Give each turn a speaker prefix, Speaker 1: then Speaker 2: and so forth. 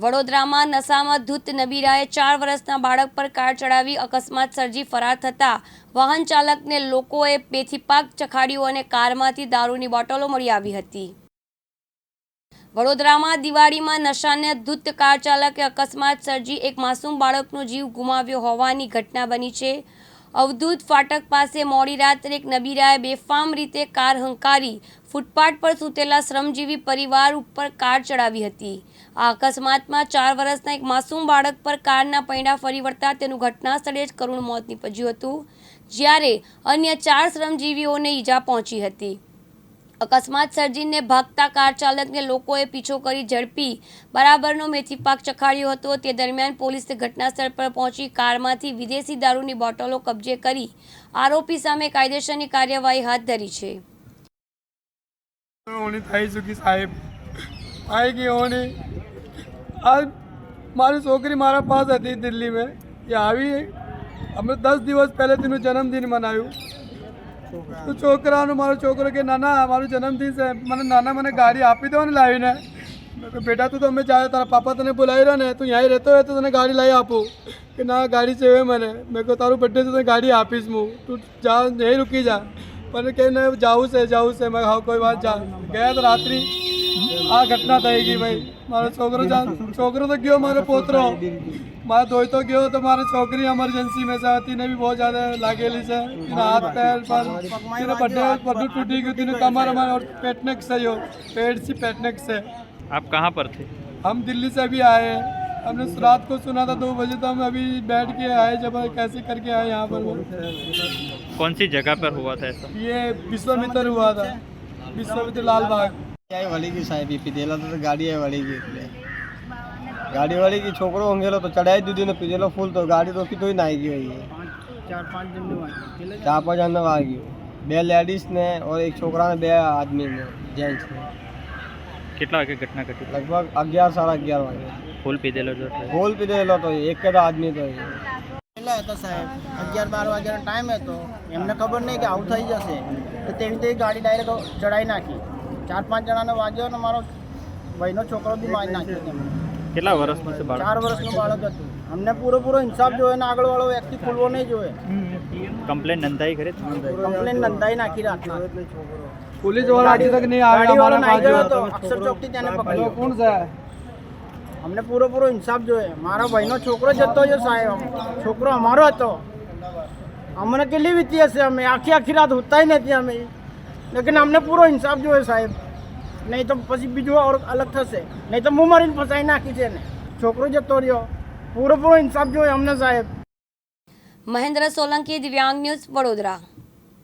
Speaker 1: વડોદરામાં નશામાં ધૂત નબીરાએ 4 વર્ષના બાળક પર કાર ચડાવી અકસ્માત સર્જી ફરાર થતા વાહન ચાલકને લોકોએ બેથીપાક ચખાડ્યું અને કારમાંથી દારૂની બોટલો મળી આવી હતી। વડોદરામાં દિવાળીમાં નશાને ધૂત કાર ચાલકે અકસ્માત સર્જી એક માસૂમ બાળકનો જીવ ગુમાવ્યો હોવાની ઘટના બની છે। અવધૂત ફાટક પાસે મોડી રાત્રે એક નબીરાએ બેફામ રીતે કાર હંકારી ફૂટપાથ પર સૂતેલા શ્રમજીવી પરિવાર ઉપર કાર ચડાવી હતી। આ અકસ્માતમાં 4 વર્ષના એક માસૂમ બાળક પર કારના પૈડા ફરી વળતા તેનું ઘટના સ્થળે જ કરુણ મોત નીપજ્યું હતું, જ્યારે અન્ય 4 શ્રમજીવીઓને ઈજા પહોંચી હતી। અકસ્માત સર્જીને ભાગતા કાર ચાલકને લોકોએ પીછો કરી ઝડપી બરાબરનો મેથીપાક ચખાડ્યો હતો। તે દરમિયાન પોલીસે ઘટનાસ્થળ પર પહોંચી કારમાંથી વિદેશી દારૂની બોટલો કબજે કરી આરોપી સામે કાયદેસરની કાર્યવાહી હાથ ધરી છે।
Speaker 2: મારી છોકરી મારા પાસ હતી દિલ્હી में ये આવી અમે 10 દિવસ પહેલે તેનું જન્મદિન મનાવ્યું તો છોકરાનો મારો છોકરો કે નાના મારું જન્મદિન છે મને નાના મને ગાડી આપી દો ને લાવીને બેટા તું તો અમે જાય તારા પાપા તને બોલાવી રહ્યા ને તું અહીં રહેતો હોય તો તને ગાડી લાવી આપું કે ના ગાડી चाहिए મને મેં કહું તારું બર્થડે છે તો ગાડી આપીશ હું તું જા નહીં રૂકી જા પણ કે જાવું છે મેં હા કોઈ વાત જા ગયા તો રાત્રિ આ ઘટના થઈ ગઈ ભાઈ મારો છોકરો तो गयो मारो पोतरो मारा धोई तो गयो तो मारी छोकरी एमरजेंसी में से तीने भी बहुत ज़्यादा लागेली से हाथ पैर पर तीने बड्डू टूटी गई तीने कमर और पेटनेक से यो पेट से पेटनेक से।
Speaker 3: आप कहाँ पर थे?
Speaker 2: हम दिल्ली से अभी आए, हमने रात को सुना था 2 बजे तो हम अभी बैठ के आए जब कैसे करके आए यहाँ पर।
Speaker 3: कौन सी जगह पर हुआ था ऐसा?
Speaker 2: ये विश्वामित्र हुआ था, विश्वामित्र लाल बाग
Speaker 4: वाली की साहेब पीधेला तो गाड़ी है वाली की गाड़ी वाली की छोकरो होंगेलो तो चढ़ाई दीदी ने पीधेलो फूल तो गाड़ी रोकी तो ही ना आएगी भाई 4-5 जन आ गई 2 लेडीज ने और एक छोकरा ने 2 आदमी ने जेंट्स ने।
Speaker 3: कितना वागे घटना घटी?
Speaker 4: लगभग 11-11:30 वागे।
Speaker 3: फूल पीधेलो जो
Speaker 4: फूल पीधेलो तो एक के आदमी तो
Speaker 5: तो साहेब 11-12 वाग्याનો ટાઈમ હતો એમને ખબર નહીં કે આવું થઈ જશે તો તેવી રીતે ગાડી ડાયરેક્ટ ચડાઈ નાખી 4-5 જણાને વાગ્યો અને મારો ભાઈનો છોકરો બી મારી નાખ્યો તેમને।
Speaker 3: કેટલા વર્ષનું છે બાળક?
Speaker 5: 4 વર્ષનું બાળક હતું। અમને પૂરો ઇન્સાફ જોઈએ ને આગળવાળો વ્યક્તિ ખુલવો નહીં જોઈએ।
Speaker 3: કમ્પ્લેન નોંધાઈ ખરી?
Speaker 5: કમ્પ્લેન નોંધાઈ નાખી રાતના
Speaker 2: पुलिस वाला अभी तक नहीं आया
Speaker 5: ગાડીવાળો
Speaker 2: हमारा
Speaker 5: નાઈ ગયો હતો અક્ષર ચોકથી તેને પકડ્યો।
Speaker 2: कौन सा है
Speaker 5: અમને પૂરો ઇન્સાફ જોઈએ। મારા ભાઈનો છોકરો જતો જો સાહેબ છોકરો અમારો હતો અમને કેટલી વીતી હશે અમે આખી રાત હોતા નથી અમે लेकिन અમને પૂરો ઇન્સાફ જોઈએ સાહેબ નહીં તો પછી બીજું और અલગ થશે નહીં તો હું મારીને ફસાઈ નાખી છે ને છોકરો જતો રહ્યો પૂરો ઇન્સાફ જોઈએ અમને સાહેબ।
Speaker 1: મહેન્દ્ર સોલંકી, દિવ્યાંગ ન્યૂઝ, વડોદરા।